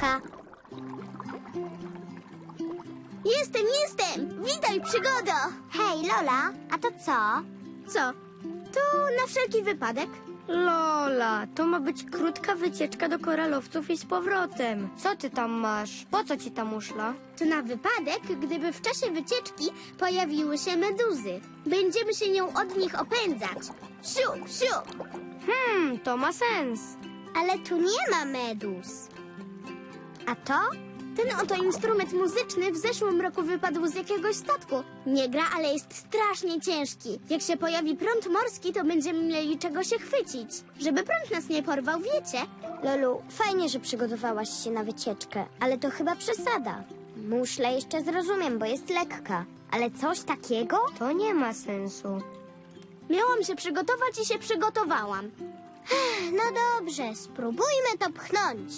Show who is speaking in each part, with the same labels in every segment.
Speaker 1: Wielka.
Speaker 2: Jestem! Witaj, przygodo!
Speaker 1: Hej, Lola, a to co?
Speaker 2: Co? To na wszelki wypadek.
Speaker 3: Lola, to ma być krótka wycieczka do koralowców i z powrotem. Co ty tam masz? Po co ci ta muszla?
Speaker 2: To na wypadek, gdyby w czasie wycieczki pojawiły się meduzy. Będziemy się nią od nich opędzać. Siu, siu!
Speaker 3: To ma sens.
Speaker 1: Ale tu nie ma meduz. A to?
Speaker 2: Ten oto instrument muzyczny w zeszłym roku wypadł z jakiegoś statku. Nie gra, ale jest strasznie ciężki. Jak się pojawi prąd morski, to będziemy mieli czego się chwycić. Żeby prąd nas nie porwał, wiecie?
Speaker 1: Lolu, fajnie, że przygotowałaś się na wycieczkę, ale to chyba przesada. Muszlę jeszcze zrozumiem, bo jest lekka. Ale coś takiego?
Speaker 3: To nie ma sensu.
Speaker 2: Miałam się przygotować i się przygotowałam.
Speaker 1: No dobrze, spróbujmy to pchnąć.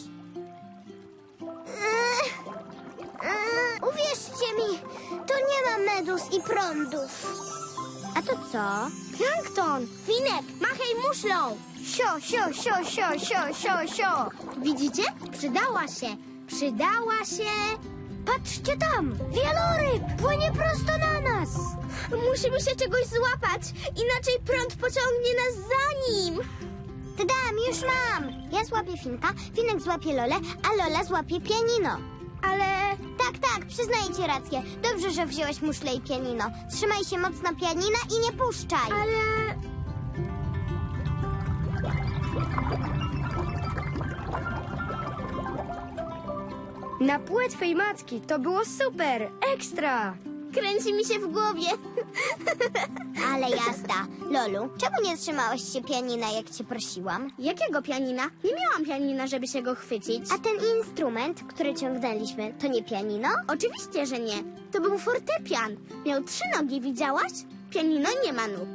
Speaker 1: Uwierzcie mi, tu nie ma meduz i prądów. A to co?
Speaker 2: Plankton! Finek, machaj muszlą!
Speaker 3: Sio, sio, sio, sio, sio, sio, sio.
Speaker 2: Widzicie? Przydała się! Przydała się!
Speaker 3: Patrzcie tam! Wieloryb płynie prosto na nas!
Speaker 2: Musimy się czegoś złapać, inaczej prąd pociągnie nas za nim!
Speaker 1: Tadam, już mam. Ja złapię Finka, Finek złapie Lolę, a Lola złapie pianino.
Speaker 2: Ale...
Speaker 1: Tak, przyznaję ci rację. Dobrze, że wziąłeś muszlę i pianino. Trzymaj się mocno pianina i nie puszczaj.
Speaker 2: ale...
Speaker 3: Na płetwej macki to było super! Ekstra!
Speaker 2: Kręci mi się w głowie.
Speaker 1: Ale jazda. Lolu, czemu nie trzymałeś się pianina, jak cię prosiłam?
Speaker 2: Jakiego pianina? Nie miałam pianina, żeby się go chwycić.
Speaker 1: A ten instrument, który ciągnęliśmy, to nie pianino?
Speaker 2: Oczywiście, że nie. To był fortepian. Miał 3 nogi, widziałaś? Pianino nie ma nóg.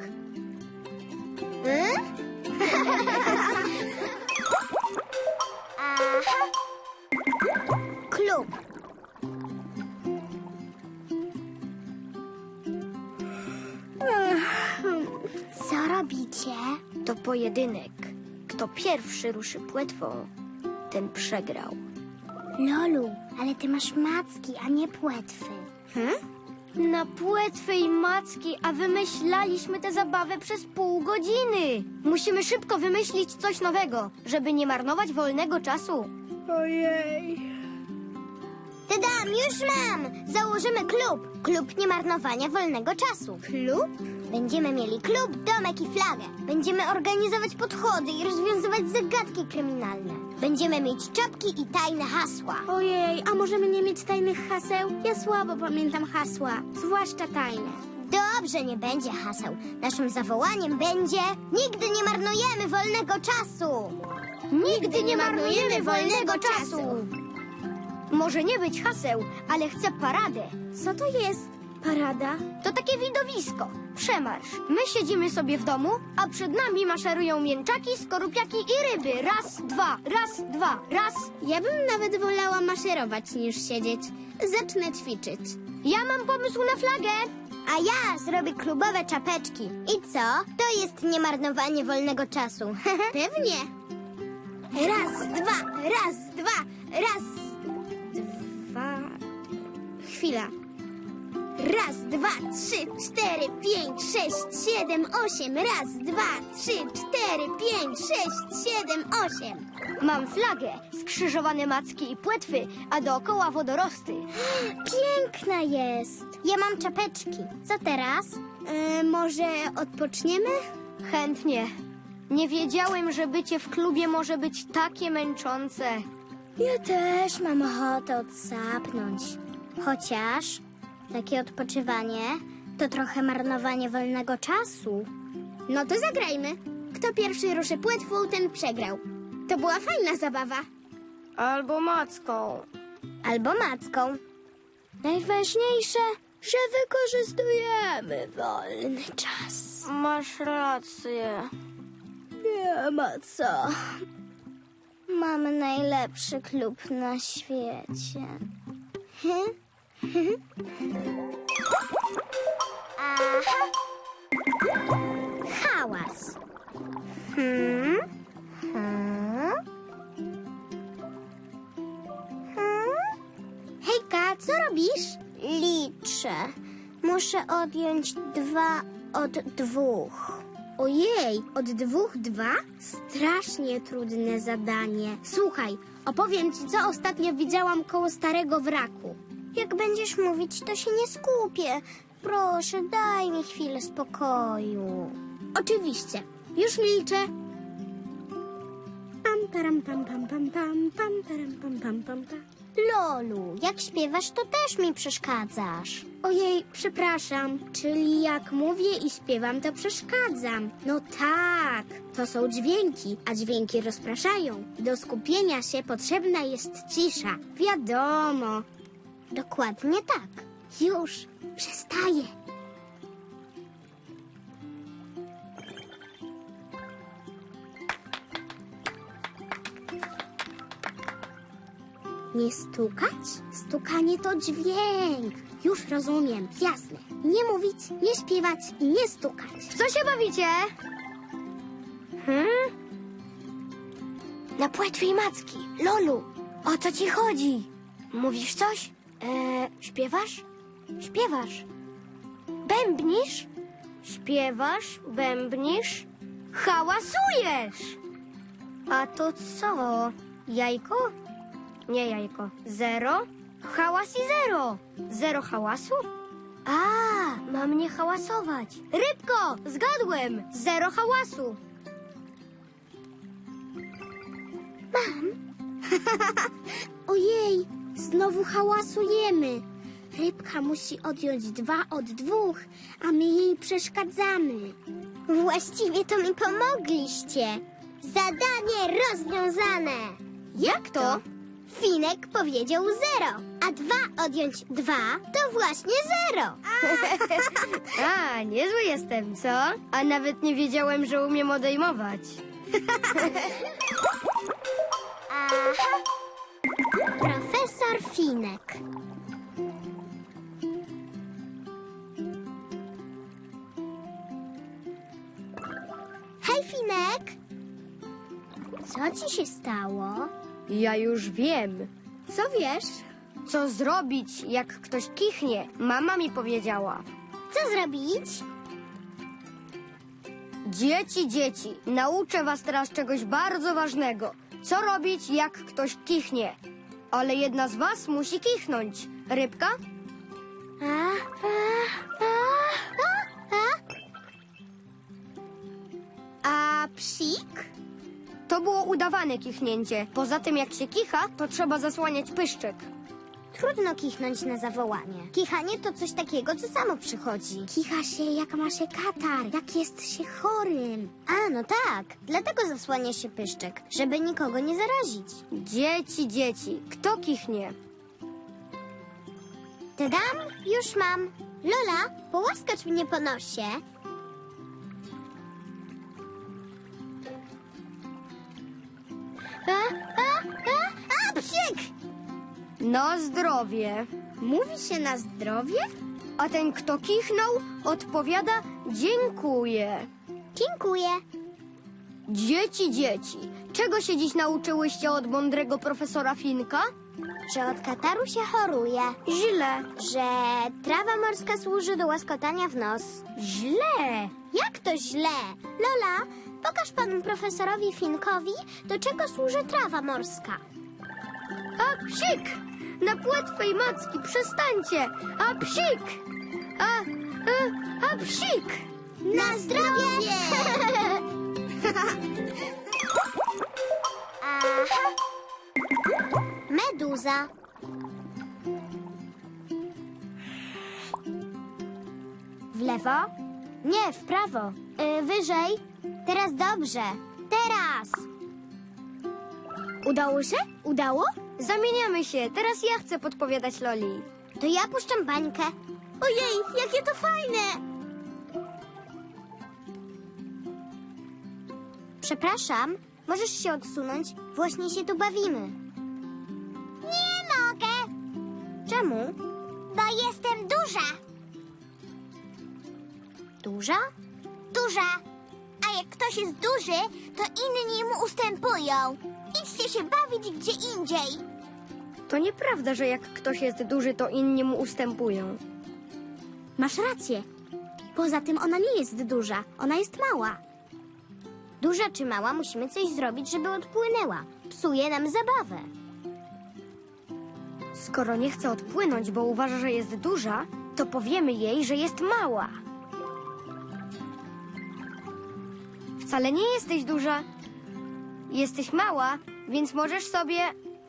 Speaker 1: Aha. Klub. Co robicie?
Speaker 3: To pojedynek. Kto pierwszy ruszy płetwą, ten przegrał.
Speaker 1: Lolu, ale ty masz macki, a nie płetwy.
Speaker 3: Na płetwej macki, a wymyślaliśmy tę zabawę przez pół godziny. Musimy szybko wymyślić coś nowego, żeby nie marnować wolnego czasu. Ojej.
Speaker 1: Tadam, już mam! Założymy klub. Klub niemarnowania wolnego czasu.
Speaker 2: Klub?
Speaker 1: Będziemy mieli klub, domek i flagę. Będziemy organizować podchody i rozwiązywać zagadki kryminalne. Będziemy mieć czapki i tajne hasła.
Speaker 2: Ojej, a możemy nie mieć tajnych haseł? Ja słabo pamiętam hasła, zwłaszcza tajne.
Speaker 1: Dobrze, nie będzie haseł. Naszym zawołaniem będzie: nigdy nie marnujemy wolnego czasu!
Speaker 2: Nigdy nie marnujemy wolnego czasu!
Speaker 3: Może nie być haseł, ale chcę paradę.
Speaker 2: Co to jest parada?
Speaker 3: To takie widowisko. Przemarsz. My siedzimy sobie w domu, a przed nami maszerują mięczaki, skorupiaki i ryby. Raz, dwa, raz, dwa, raz.
Speaker 2: Ja bym nawet wolała maszerować niż siedzieć. Zacznę ćwiczyć.
Speaker 3: Ja mam pomysł na flagę.
Speaker 1: A ja zrobię klubowe czapeczki. I co? To jest niemarnowanie wolnego czasu.
Speaker 2: Pewnie. Raz, dwa, raz, dwa, raz, dwa. Chwila. Raz, dwa, 3, 4, 5, 6, 7, 8. Raz, dwa, 3, 4, 5, 6, 7, 8.
Speaker 3: Mam flagę, skrzyżowane macki i płetwy, a dookoła wodorosty.
Speaker 1: Piękna jest. Ja mam czapeczki. Co teraz?
Speaker 2: Może odpoczniemy?
Speaker 3: Chętnie. Nie wiedziałem, że bycie w klubie może być takie męczące.
Speaker 1: Ja też mam ochotę odsapnąć. Chociaż takie odpoczywanie to trochę marnowanie wolnego czasu.
Speaker 2: No to zagrajmy. Kto pierwszy ruszy płetwą, ten przegrał. To była fajna zabawa.
Speaker 3: Albo macką.
Speaker 1: Albo macką. Najważniejsze, że wykorzystujemy wolny czas.
Speaker 3: Masz rację.
Speaker 1: Nie ma co. Mamy najlepszy klub na świecie. Aha. Hałas.
Speaker 2: co robisz?
Speaker 1: Liczę. Muszę odjąć 2 od 2.
Speaker 2: Ojej, od 2 2? Strasznie trudne zadanie. Słuchaj, opowiem ci, co ostatnio widziałam koło starego wraku.
Speaker 1: Jak będziesz mówić, to się nie skupię. Proszę, daj mi chwilę spokoju.
Speaker 2: Oczywiście, już milczę. Pam, param, pam, pam, pam, pam, pam, param, pam, pam, pam, pam.
Speaker 1: Lolu, jak śpiewasz, to też mi przeszkadzasz.
Speaker 2: Ojej, przepraszam, czyli jak mówię i śpiewam, to przeszkadzam. No tak, to są dźwięki, a dźwięki rozpraszają. Do skupienia się potrzebna jest cisza. Wiadomo.
Speaker 1: Dokładnie tak.
Speaker 2: Już, przestaję. Nie stukać? Stukanie to dźwięk. Już rozumiem, jasne. Nie mówić, nie śpiewać i nie stukać. W co się bawicie?
Speaker 3: Na płetwej macki. Lolu, o co ci chodzi? Mówisz coś? Śpiewasz? Śpiewasz. Bębnisz? Śpiewasz, bębnisz, hałasujesz. A to co? Jajko? Nie jajko. 0? Hałas i 0. 0 hałasu? A, mam nie hałasować. Rybko, zgadłem. 0 hałasu.
Speaker 2: Ojej, znowu hałasujemy. Rybka musi odjąć 2 od 2, a my jej przeszkadzamy.
Speaker 1: Właściwie to mi pomogliście. Zadanie rozwiązane.
Speaker 2: Jak to?
Speaker 1: Finek powiedział 0, a 2 odjąć 2 to właśnie 0.
Speaker 3: A, niezły jestem, co? A nawet nie wiedziałem, że umiem odejmować.
Speaker 1: Aha. Profesor Finek. Hej, Finek. Co ci się stało?
Speaker 3: Ja już wiem.
Speaker 2: Co wiesz?
Speaker 3: Co zrobić, jak ktoś kichnie? Mama mi powiedziała.
Speaker 1: Co zrobić?
Speaker 3: Dzieci, nauczę was teraz czegoś bardzo ważnego. Co robić, jak ktoś kichnie? Ale jedna z was musi kichnąć. Rybka?
Speaker 2: A psik?
Speaker 3: To było udawane kichnięcie. Poza tym, jak się kicha, to trzeba zasłaniać pyszczek.
Speaker 1: Trudno kichnąć na zawołanie. Kichanie to coś takiego, co samo przychodzi.
Speaker 2: Kicha się, jak ma się katar, jak jest się chorym.
Speaker 1: A, no tak. Dlatego zasłania się pyszczek, żeby nikogo nie zarazić.
Speaker 3: Dzieci, kto kichnie?
Speaker 1: Tadam, już mam. Lola, połaskacz mnie po nosie. A, psik!
Speaker 3: Na zdrowie.
Speaker 2: Mówi się na zdrowie?
Speaker 3: A ten, kto kichnął, odpowiada dziękuję.
Speaker 1: Dziękuję.
Speaker 3: Dzieci, czego się dziś nauczyłyście od mądrego profesora Finka?
Speaker 1: Że od kataru się choruje.
Speaker 3: Źle.
Speaker 1: Że trawa morska służy do łaskotania w nos.
Speaker 3: Źle.
Speaker 1: Jak to źle? Lola, pokaż panu profesorowi Finkowi, do czego służy trawa morska.
Speaker 3: A psik! Na płetwej macki, przestańcie! A psik! A psik!
Speaker 1: Na zdrowie! Aha. Meduza. W lewo? Nie, w prawo. Wyżej. Teraz dobrze. Teraz.
Speaker 2: Udało się? Udało?
Speaker 3: Zamieniamy się, teraz ja chcę podpowiadać Loli.
Speaker 1: To ja puszczam bańkę.
Speaker 2: Ojej, jakie to fajne!
Speaker 1: Przepraszam, możesz się odsunąć? Właśnie się tu bawimy. Nie mogę. Czemu? Bo jestem duża. Duża? Duża. A jak ktoś jest duży, to inni mu ustępują. Idźcie się bawić gdzie indziej.
Speaker 3: To nieprawda, że jak ktoś jest duży, to inni mu ustępują.
Speaker 2: Masz rację. Poza tym ona nie jest duża, ona jest mała.
Speaker 1: Duża czy mała, musimy coś zrobić, żeby odpłynęła. Psuje nam zabawę.
Speaker 3: Skoro nie chce odpłynąć, bo uważa, że jest duża, to powiemy jej, że jest mała. Wcale nie jesteś duża. Jesteś mała, więc możesz sobie...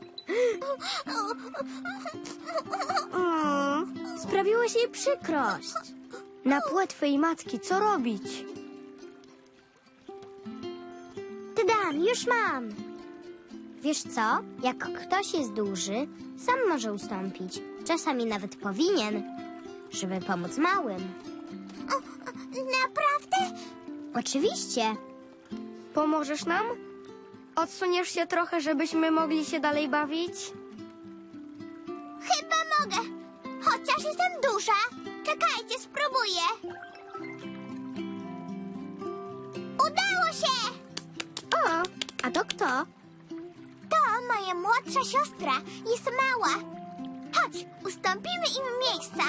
Speaker 2: Sprawiłeś jej przykrość.
Speaker 3: Na płetwej matki, co robić?
Speaker 1: Tadam, już mam. Wiesz co? Jak ktoś jest duży, sam może ustąpić. Czasami nawet powinien, żeby pomóc małym. Naprawdę? Oczywiście.
Speaker 3: Pomożesz nam? Odsuniesz się trochę, żebyśmy mogli się dalej bawić?
Speaker 1: Chyba mogę. Chociaż jestem duża. Czekajcie, spróbuję. Udało się!
Speaker 2: O, a to kto?
Speaker 1: To moja młodsza siostra. Jest mała. Chodź, ustąpimy im miejsca.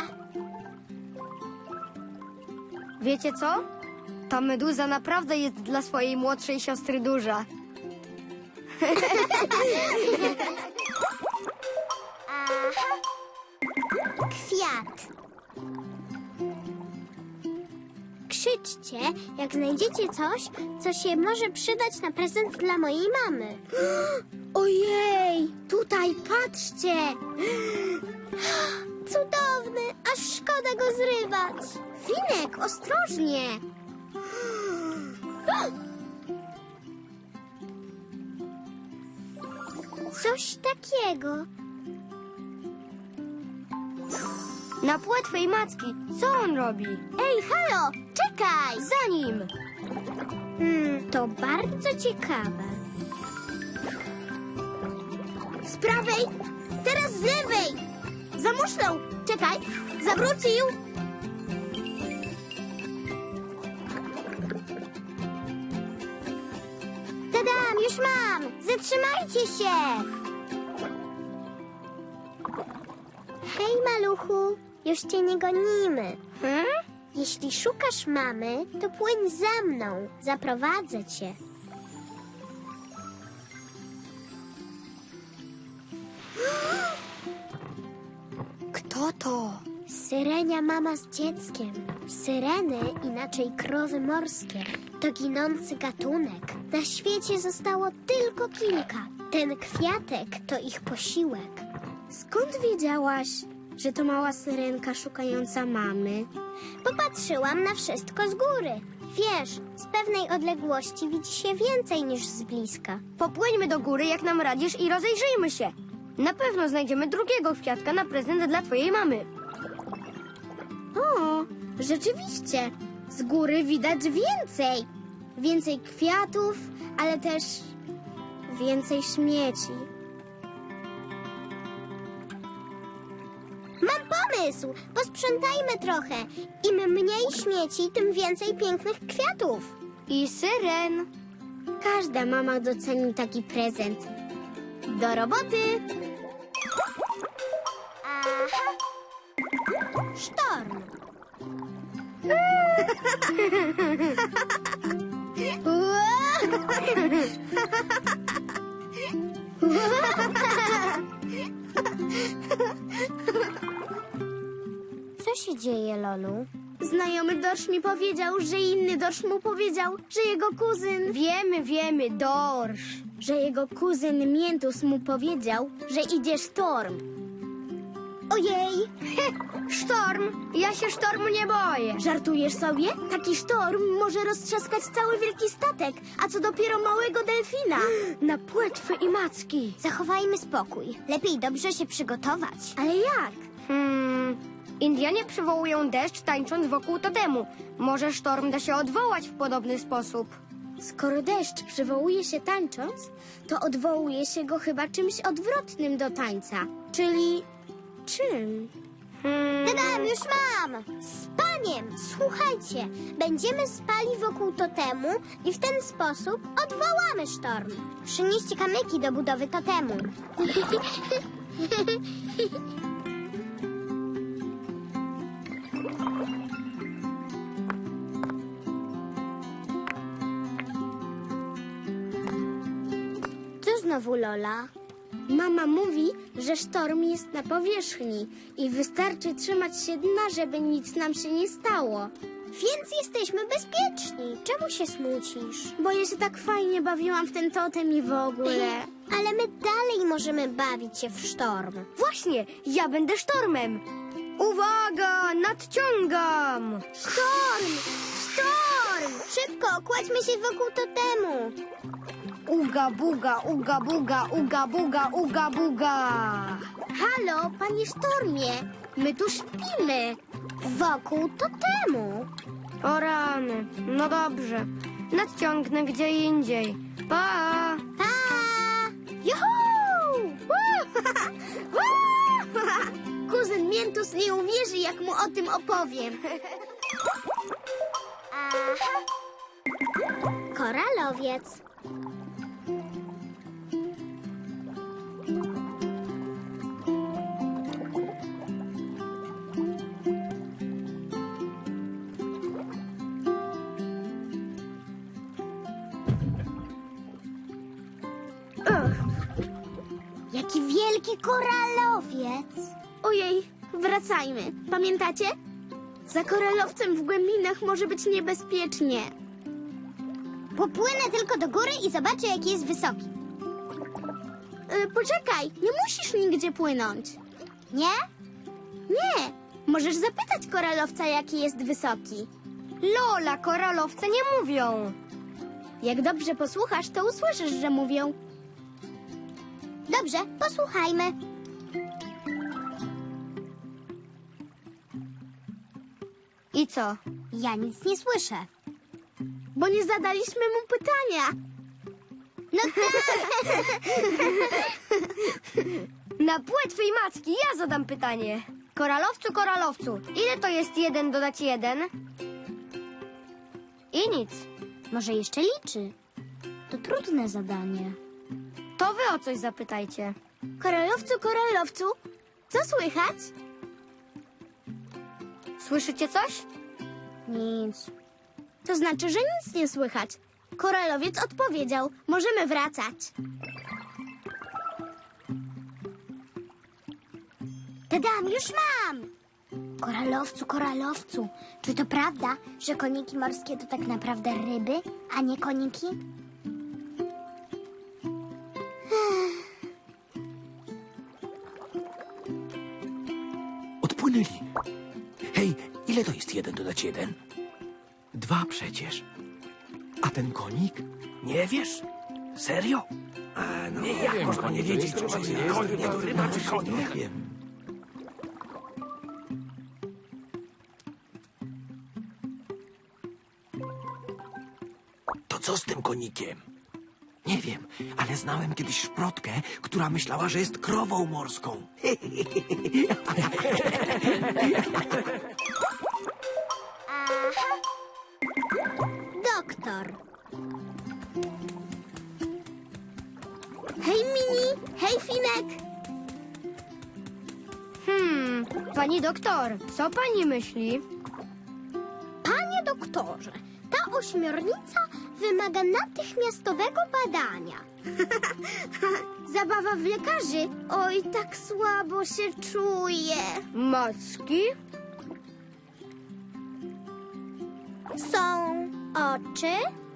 Speaker 3: Wiecie co? Ta meduza naprawdę jest dla swojej młodszej siostry duża.
Speaker 1: Aha. Kwiat. Krzyczcie, jak znajdziecie coś, co się może przydać na prezent dla mojej mamy.
Speaker 2: Ojej, tutaj patrzcie.
Speaker 1: Cudowny, aż szkoda go zrywać.
Speaker 2: Finek, ostrożnie.
Speaker 1: Coś takiego.
Speaker 3: Na płetwej macki, co on robi?
Speaker 1: Ej, halo, czekaj.
Speaker 3: Za nim!
Speaker 1: To bardzo ciekawe.
Speaker 2: Z prawej, teraz z lewej. Za muszlą. Czekaj, zawrócił.
Speaker 1: Tadam, już mam. Zatrzymajcie się. Hej, maluchu, już cię nie gonimy. Jeśli szukasz mamy, to płyń za mną. Zaprowadzę cię.
Speaker 3: Kto to?
Speaker 1: Syrenia mama z dzieckiem. Syreny, inaczej krowy morskie, to ginący gatunek. Na świecie zostało tylko kilka. Ten kwiatek to ich posiłek.
Speaker 2: Skąd wiedziałaś, że to mała syrenka szukająca mamy?
Speaker 1: Popatrzyłam na wszystko z góry. Wiesz, z pewnej odległości widzi się więcej niż z bliska.
Speaker 3: Popłyńmy do góry, jak nam radzisz, i rozejrzyjmy się. Na pewno znajdziemy drugiego kwiatka na prezent dla twojej mamy.
Speaker 2: O, rzeczywiście. Z góry widać więcej. Więcej kwiatów, ale też więcej śmieci.
Speaker 1: Mam pomysł! Posprzątajmy trochę. Im mniej śmieci, tym więcej pięknych kwiatów.
Speaker 3: I syren.
Speaker 2: Każda mama doceni taki prezent. Do roboty!
Speaker 1: Aha. Sztorm. Co się dzieje, Lolu?
Speaker 2: Znajomy dorsz mi powiedział, że inny dorsz mu powiedział, że jego kuzyn...
Speaker 3: Wiemy, dorsz.
Speaker 2: Że jego kuzyn Miętus mu powiedział, że idzie sztorm.
Speaker 1: Ojej!
Speaker 3: Sztorm? Ja się sztormu nie boję.
Speaker 2: Żartujesz sobie? Taki sztorm może roztrzaskać cały wielki statek, a co dopiero małego delfina.
Speaker 3: Na płetwy i macki.
Speaker 1: Zachowajmy spokój. Lepiej dobrze się przygotować.
Speaker 2: Ale jak?
Speaker 3: Indianie przywołują deszcz, tańcząc wokół totemu. Może sztorm da się odwołać w podobny sposób.
Speaker 2: Skoro deszcz przywołuje się tańcząc, to odwołuje się go chyba czymś odwrotnym do tańca. Czyli czym?
Speaker 1: Tadam, już mam! Spaniem! Słuchajcie, będziemy spali wokół totemu i w ten sposób odwołamy sztorm. Przynieście kamyki do budowy totemu. Co znowu, Lola?
Speaker 2: Mama mówi, że sztorm jest na powierzchni i wystarczy trzymać się dna, żeby nic nam się nie stało.
Speaker 1: Więc jesteśmy bezpieczni. Czemu się smucisz?
Speaker 2: Bo ja się tak fajnie bawiłam w ten totem i w ogóle.
Speaker 1: Ale my dalej możemy bawić się w sztorm.
Speaker 3: Właśnie, ja będę sztormem. Uwaga, nadciągam.
Speaker 1: Sztorm! Sztorm! Szybko, kładźmy się wokół totemu.
Speaker 3: Uga buga, uga buga, uga buga, uga buga.
Speaker 2: Halo, panie sztormie, my tu śpimy.
Speaker 1: Wokół totemu.
Speaker 3: O rany, no dobrze. Nadciągnę gdzie indziej. Pa!
Speaker 1: Pa! Juhu!
Speaker 2: Kuzyn Miętus nie uwierzy, jak mu o tym opowiem.
Speaker 1: Aha. Koralowiec. Jaki wielki koralowiec!
Speaker 2: Ojej, wracajmy. Pamiętacie? Za koralowcem w głębinach może być niebezpiecznie.
Speaker 1: Popłynę tylko do góry i zobaczę, jaki jest wysoki.
Speaker 2: Poczekaj, nie musisz nigdzie płynąć.
Speaker 1: Nie?
Speaker 2: Nie, możesz zapytać koralowca, jaki jest wysoki.
Speaker 3: Lola, koralowce nie mówią.
Speaker 2: Jak dobrze posłuchasz, to usłyszysz, że mówią.
Speaker 1: Dobrze, posłuchajmy.
Speaker 3: I co?
Speaker 1: Ja nic nie słyszę.
Speaker 2: Bo nie zadaliśmy mu pytania.
Speaker 1: No tak!
Speaker 3: Na płetwej macki ja zadam pytanie. Koralowcu, koralowcu, ile to jest 1 dodać 1? I nic.
Speaker 1: Może jeszcze liczy. To trudne zadanie.
Speaker 3: To wy o coś zapytajcie.
Speaker 2: Koralowcu, koralowcu, co słychać?
Speaker 3: Słyszycie coś?
Speaker 1: Nic.
Speaker 2: To znaczy, że nic nie słychać. Koralowiec odpowiedział, możemy wracać.
Speaker 1: Tadam, już mam! Koralowcu, koralowcu, czy to prawda, że koniki morskie to tak naprawdę ryby, a nie koniki?
Speaker 4: Odpłynęli. Hej, ile to jest 1 dodać 1? 2 przecież. A ten konik? Nie wiesz? Serio?
Speaker 5: No,
Speaker 4: Nie, jak można nie wiedzieć, czy to jest koń, nie to ryba, czy koń? Nie wiem. To co z tym konikiem? Nie wiem, ale znałem kiedyś szprotkę, która myślała, że jest krową morską.
Speaker 1: Doktor.
Speaker 2: Hej, Mini! Hej, Finek!
Speaker 3: Pani doktor, co pani myśli?
Speaker 1: Panie doktorze, ta ośmiornica wymaga natychmiastowego badania.
Speaker 2: Zabawa w lekarzy. Oj, tak słabo się czuję.
Speaker 3: Macki?
Speaker 1: Są oczy,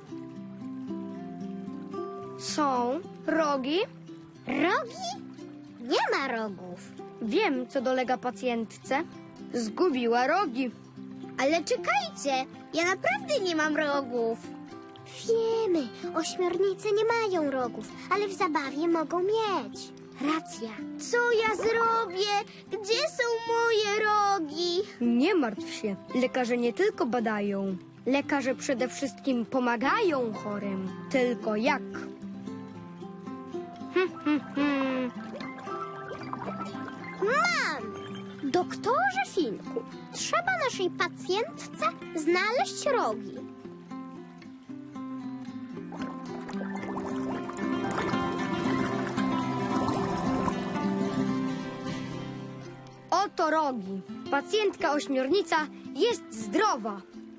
Speaker 3: Są rogi?
Speaker 1: rogi? Nie ma rogów.
Speaker 3: Wiem, co dolega pacjentce. Zgubiła rogi.
Speaker 2: Ale czekajcie, ja naprawdę nie mam rogów.
Speaker 1: Wiemy, ośmiornice nie mają rogów, ale w zabawie mogą mieć. Racja.
Speaker 2: Co ja zrobię? Gdzie są moje rogi?
Speaker 3: Nie martw się. Lekarze nie tylko badają. Lekarze przede wszystkim pomagają chorym. Tylko jak?
Speaker 1: Mam! Doktorze Finku, trzeba naszej pacjentce znaleźć rogi.
Speaker 3: Oto rogi. Pacjentka ośmiornica jest zdrowa.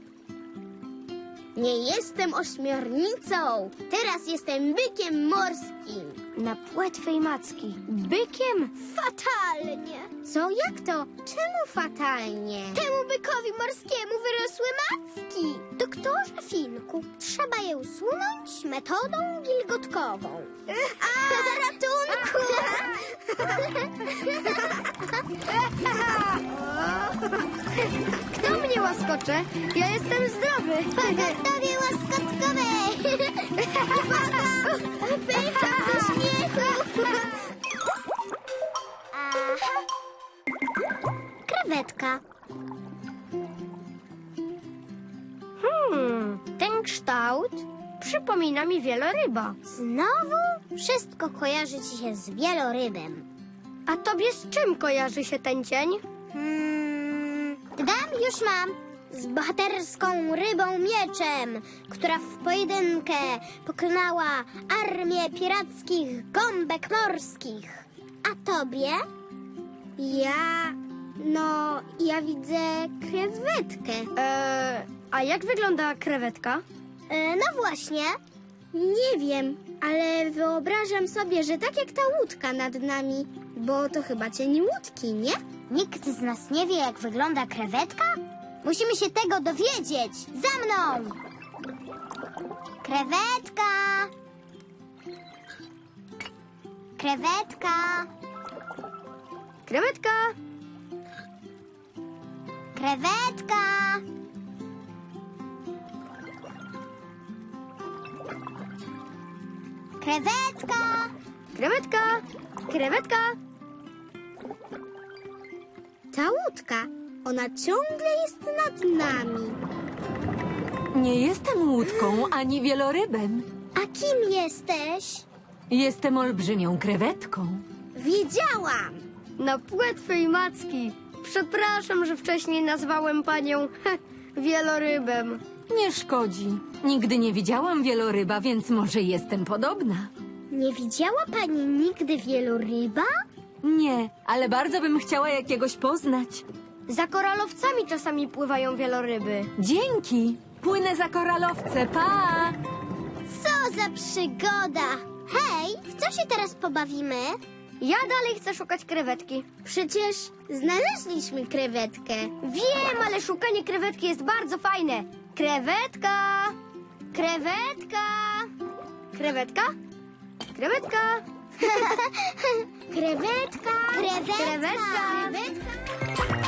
Speaker 2: Nie jestem ośmiornicą. Teraz jestem bykiem morskim.
Speaker 3: Na płetwej macki. Bykiem?
Speaker 2: Fatalnie. Co? Jak to? Czemu fatalnie? Temu bykowi morskiemu wyrosły macki.
Speaker 1: Doktorze Finku, trzeba je usunąć metodą gilgotkową.
Speaker 2: Ratunku!
Speaker 3: Kto mnie łaskocze? Ja jestem zdrowy.
Speaker 2: Pogotowie łaskotkowej! Pycha ze śmiechu!
Speaker 1: Aha. Krewetka.
Speaker 3: Ten kształt przypomina mi wieloryba.
Speaker 1: Znowu? Wszystko kojarzy ci się z wielorybem.
Speaker 3: A tobie z czym kojarzy się ten cień?
Speaker 1: Dam, już mam. Z bohaterską rybą mieczem, która w pojedynkę pokonała armię pirackich gąbek morskich. A tobie?
Speaker 2: Ja widzę krewetkę.
Speaker 3: A jak wygląda krewetka?
Speaker 1: No właśnie.
Speaker 2: Nie wiem, ale wyobrażam sobie, że tak jak ta łódka nad nami, bo to chyba cień łódki, nie?
Speaker 1: Nikt z nas nie wie, jak wygląda krewetka? Musimy się tego dowiedzieć. Za mną! Krewetka! Krewetka!
Speaker 3: Krewetka!
Speaker 1: Krewetka! Krewetka!
Speaker 3: Krewetka! Krewetka!
Speaker 2: Ta łódka, ona ciągle jest nad nami.
Speaker 5: Nie jestem łódką ani wielorybem.
Speaker 1: A kim jesteś?
Speaker 5: Jestem olbrzymią krewetką.
Speaker 2: Wiedziałam!
Speaker 3: Na płetwej macki. Przepraszam, że wcześniej nazwałem panią wielorybem.
Speaker 5: Nie szkodzi. Nigdy nie widziałam wieloryba, więc może jestem podobna.
Speaker 1: Nie widziała pani nigdy wieloryba?
Speaker 5: Nie, ale bardzo bym chciała jakiegoś poznać.
Speaker 3: Za koralowcami czasami pływają wieloryby.
Speaker 5: Dzięki. Płynę za koralowce. Pa!
Speaker 1: Co za przygoda! Hej, w co się teraz pobawimy?
Speaker 3: Ja dalej chcę szukać krewetki.
Speaker 2: Przecież znaleźliśmy krewetkę.
Speaker 3: Wiem, ale szukanie krewetki jest bardzo fajne. Krewetka! Krewetka! Krewetka? Krewetka!
Speaker 1: Krewetka! Krewetka!
Speaker 3: Krewetka!
Speaker 1: Krewetka!